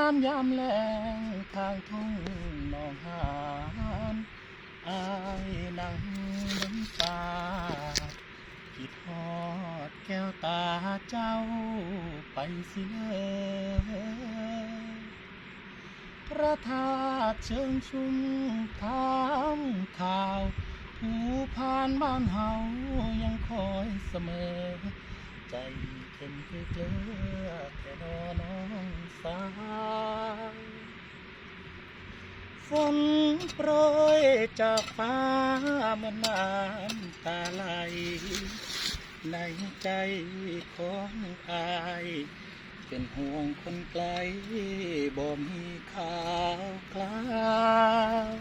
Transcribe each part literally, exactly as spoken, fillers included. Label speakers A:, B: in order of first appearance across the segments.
A: านยามแลงทางทุ่งหนองหานอายนั่งบนป่าคิดฮอดแก้วตาเจ้าไปสิเลยพระธาตุเชิงชุมถามข่าวผู้ผ่านบ้านเฮายังคอยเสมอใจเข็มคือเกลือแค่นอน้องสาวฝนโปรยจากฟ้าเหมือนน้ำตาไหลในใจของอายเป็นห่วงคนไกลบ่มีข่าวคราว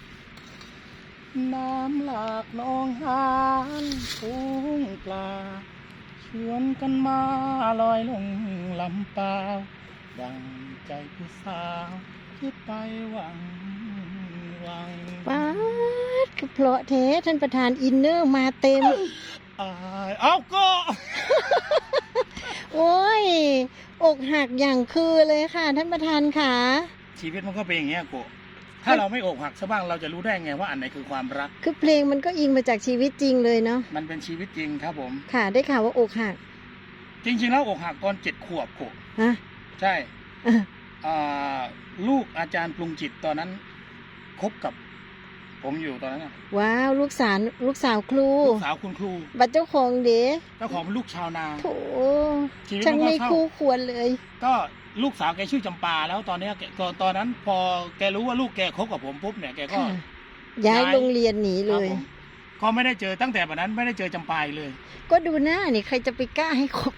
A: น้ำหลากนองหานทุ่งปลาชวนกันมาลอยลงลำเปล่าดังใจผู้สาวคิดไปหวังหวัง
B: ป๊าดคือเพราะเทท่านประธานอินเนอร์มาเต็ม
A: อายเอาก็
B: โอ้ยอกหักอย่างคือเลยค่ะท่านประธานค่ะ
A: ชีวิตมันก็เป็นอย่างเงี้ยโกถ้าเราไม่อกหักซะบ้างเราจะรู้ได้ไงว่าอันไหนคือความรัก
B: คือเพลงมันก็อิงมาจากชีวิตจริงเลยเนาะ
A: มันเป็นชีวิตจริงครับผม
B: ค่ะ ได้ข่าวว่าอกหัก
A: จริงๆแล้วอกหักตอนเจ็ดขวบโก
B: ฮะ
A: ใช่
B: อ่ะ
A: อ่าลูกอาจารย์ปรุงจิตตอนนั้นคบกับผมอยู่ตอนนั้นน่ะ
B: ว้าวลูกสาวลูกสาวครู
A: ลูกสาวคุณครู
B: บัตรเจ้าของเด้
A: เจ้าของเป็นลูกชาวนา
B: โถ
A: ชีวิต
B: ช่าง
A: มันก็
B: ไม่
A: เศร้า
B: คู่ควรเลย
A: ก็ลูกสาวแกชื่อจำปาแล้วตอนเนี้ยแกก็ตอนนั้นพอแกรู้ว่าลูกแกคบกับผมปุ๊บเนี่ยแกก็
B: ค่ะ ย้าย
A: ย้าย
B: โรงเรียนหนีเลย
A: ครับผมก็ไม่ได้เจอตั้งแต่วันนั้นไม่ได้เจอจำปาอีกเลย
B: ก็ดูหน้านี่ใครจะไปกล้าให้คบ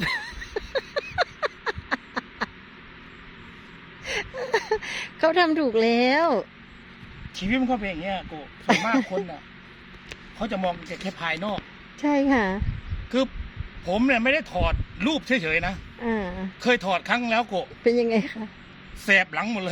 B: เขาทำถูกแล้ว
A: ชีวิตมันก็เป็นอย่างเงี้ยโกส่วนมากคนอ่ะ เขาจะมองแค่ภายนอก
B: ใช่ค่ะ
A: คือผมเนี่ยไม่ได้ถอดรูปเฉยๆนะ
B: อ่า
A: เคยถอดครั้งแล้วโก
B: เป็นยังไงคะ
A: แสบหลังหมดเลย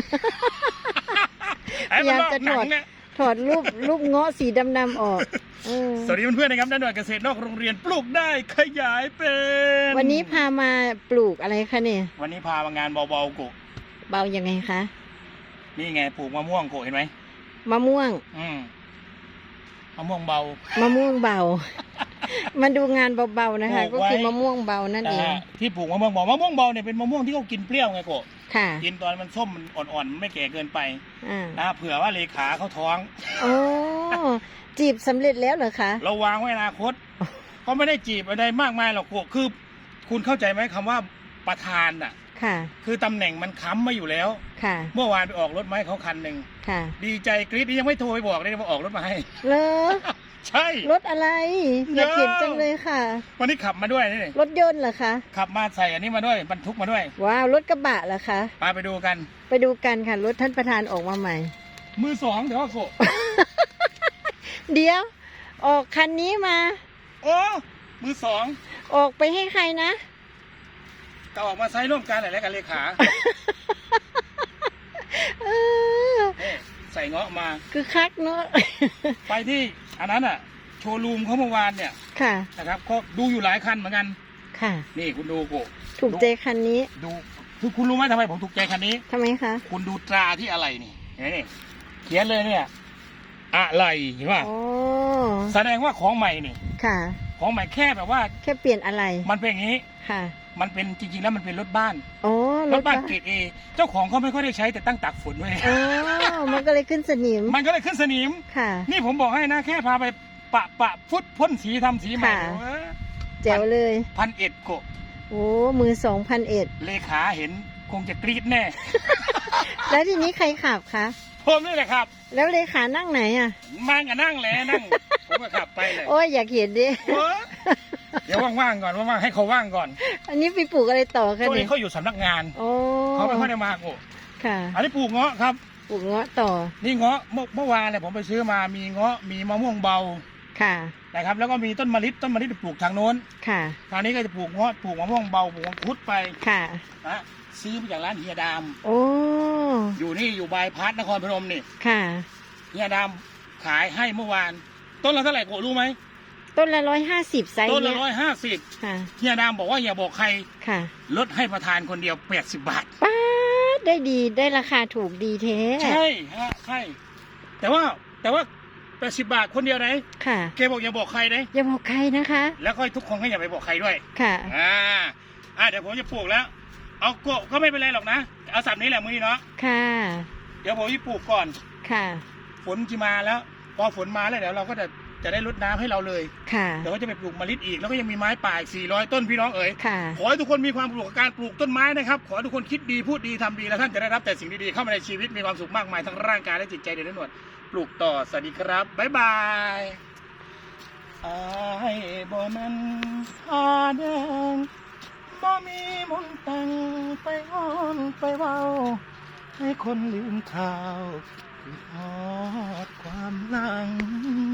B: พยายามจะถอด
A: เนี่ย
B: ถอดรูปรูปเงาะสีดำๆออกเออ
A: สวัสดีเพื่อนๆนะครับด้านหน่วยเกษตรนอกโรงเรียนปลูกได้ขยายเป็น
B: วันนี้พามาปลูกอะไรคะเนี่ย
A: วันนี้พามางานเบาๆโก
B: เบายังไงคะ
A: นี่ไงปลูกมะม่วงโกเห็นไหม
B: มะม่วง
A: อืมมะม่วงเบา
B: มะม่วงเบา มาดูงานเบาๆนะคะ
A: ปลู
B: ก็
A: กไว้
B: คือมะม่วงเบานั่น
A: นะ
B: เอง
A: ฮะที่ปลูกมะม่วงเบามะม่วงเบาเนี่ยเป็นมะม่วงที่เขากินเปรี้ยวไงโก
B: ค่ะ
A: กินตอนมันส้มมันอ่อนๆมันไม่แก่เกินไป
B: อ่า
A: นะเผื่อว่าเลขาเขาท้อง
B: โอ้จีบสำเร็จแล้วเหรอคะ
A: เราวางไว้อนาคต ก็ไม่ได้จีบอะไรมากมายหรอกโกคือ คุณเข้าใจไหมคำว่าประธานอ่ะ
B: ค่ะ
A: คือตำแหน่งมันค้ำมาอยู่แล้ว
B: ค่ะ
A: เมื่อวานไปออกรถมาให้เขาคันหนึ่ง
B: ค่ะ
A: ดีใจกรี๊ดนี่ยังไม่โทรไปบอกเลยว่าออกรถมาให้
B: เลอ
A: ใช่
B: รถอะไร อยากเห็นจังเลยค่ะ
A: วันนี้ขับมาด้วยนี่
B: รถยนต์เหรอคะ
A: ขับมาใส่อันนี้มาด้วยบรรทุกมาด้วย
B: ว้าว รถกระบะเหรอคะ
A: ไปไปดูกัน
B: ไปดูกันค่ะ รถท่านประธานออกมาใหม่
A: มือสองเดี๋ยวว่าโก
B: เดี๋ยว ออกคันนี้มา
A: โอ้มือสอง
B: ออกไปให้ใครนะ
A: ก็ออกมาใช้ร่วมกันหลายๆกันเลขา
B: เออ
A: นี่ใส่เงาะมา
B: คือคักเนาะ
A: ไปที่อันนั้นอ่ะ โชว์รูมเขาเมื่อวานเนี่ย
B: ค่ะ
A: นะครับก็ดูอยู่หลายคันเหมือนกัน
B: ค่ะ
A: นี่คุณดูโก
B: ถูกใจคันนี้
A: ดูคือคุณรู้ไหมทำไมผมถูกใจคันนี้
B: ทำไมคะ
A: คุณดูตราที่อะไรนี่นี่เขียนเลยเนี่ย อะไรเห็นป่ะ
B: โอ้
A: แสดงว่าของใหม่นี่
B: ค่ะ
A: ของใหม่แค่แบบว่า
B: แค่เปลี่ยนอะไร
A: มันเป็นอย่างนี้
B: ค่ะ
A: มันเป็นจริงๆแล้วมันเป็นรถบ้าน
B: โอ้
A: รถบ้านเกรดเอเจ้าของเขาไม่ค่อยได้ใช้แต่ตั้งตากฝนไว้
B: โอ้มันก็เลยขึ้นสนิม
A: มันก็เลยขึ้นสนิม
B: ค่ะ
A: นี่ผมบอกให้นะ แค่พาไปปะปะฟุตพ่นสีทำสีใหม่
B: ค่ะ
A: เออ
B: แจ๋วเลย
A: พันเอ็ดโก
B: โอ้มือสองพันเอ็ด
A: เลขาเห็นคงจะกรี๊ดแน่
B: แล้วทีนี้ใครขับคะ
A: ผมนี่แหละครับ
B: แล้วเลขานั่งไหนอ่ะ
A: มากับนั่งแหละนั่ง ผมก็ขับไปเลย
B: โอ้ยอยากเห็นดิ
A: เออเดี๋ยวว่างๆก่อนว่างๆให้เขาว่างก่อน
B: อันนี้ไปปลูกอะไรต่อคะ
A: ช่วง
B: เนี่
A: นี้
B: ย
A: เขาอยู่สำนักงาน
B: โอ้
A: เขาไม่ค่อยได้มาโก
B: ค่ะ
A: อันนี้ปลูกเงาะครับ
B: ปลูกเงาะต่อ
A: นี่เงาะเมื่อเมื่อวานเนี่ยผมไปซื้อมามีเงาะมีมะม่วงเบา
B: ค่ะ
A: นะครับ แล้วก็มีต้นมะลิต้นมะลิปลูกทางโน้น
B: ค่ะ
A: ทางนี้ก็จะปลูกเงาะปลูกมะม่วงเบาปลูกมังคุดไป
B: ค่ะ
A: นะซื้อมาจากร้านเฮียดาม
B: โอ้
A: อยู่นี่อยู่บายพาสนครพนมนี่
B: ค่ะ
A: เฮียดามขายให้เมื่อวาน ต้นละเท่าไหร่โกรู้ไหม
B: ต้นละร้อยห้าสิบไซส์
A: ต้นละ
B: เนี้ย
A: ร้อยห้าสิบ
B: ค่ะ
A: เฮียดามบอกว่าอย่าบอกใคร
B: ค่ะ
A: ลดให้ประธานคนเดียวแปดสิบบาท
B: ป้าดได้ดีได้ราคาถูกดีเท้
A: ใช่ฮะใช่แต่ว่าแต่ว่าแปดสิบบาทคนเดียวนะ
B: ค่ะ
A: แกบอกอย่าบอกใครนะ
B: อย่าบอกใครนะคะ
A: แล้วก็ทุกคนก็อย่าไปบอกใครด้วย
B: ค่ะ
A: อ่าอ่าเดี๋ยวผมจะปลูกแล้ว เอาก็ก็ไม่เป็นไรหรอกนะเอาสับนี้แหละมือนี้เนาะ
B: ค่ะ
A: เดี๋ยวผมจะปลูกก่อน
B: ค่ะ
A: ฝนจะมาแล้วพอฝนมาแล้วเดี๋ยวเราก็จะจะได้รดน้ำให้เราเลย
B: ค่ะ
A: เดี๋ยวก็จะไปปลูกมะลิอีกแล้วก็ยังมีไม้ป่าอีกสี่ร้อยต้นพี่น้องเอ๋ย
B: ค่ะ
A: ขอให้ทุกคนมีความสุขกับการปลูกต้นไม้นะครับ ขอให้ทุกคนคิดดีพูดดีทำดีแล้วท่านจะได้รับแต่สิ่งดีๆเข้ามาในชีวิตมีความสุขมากมายทั้งร่างกายและจิตใจเดือดร้อนปลูกต่อสวัสดีครับบ๊ายบายอายบ่แมันผ้าแดงบ่มีมนต์แต่งไปอ้อนไปเว้าให้คนลืมข่าวคือฮอดความหลัง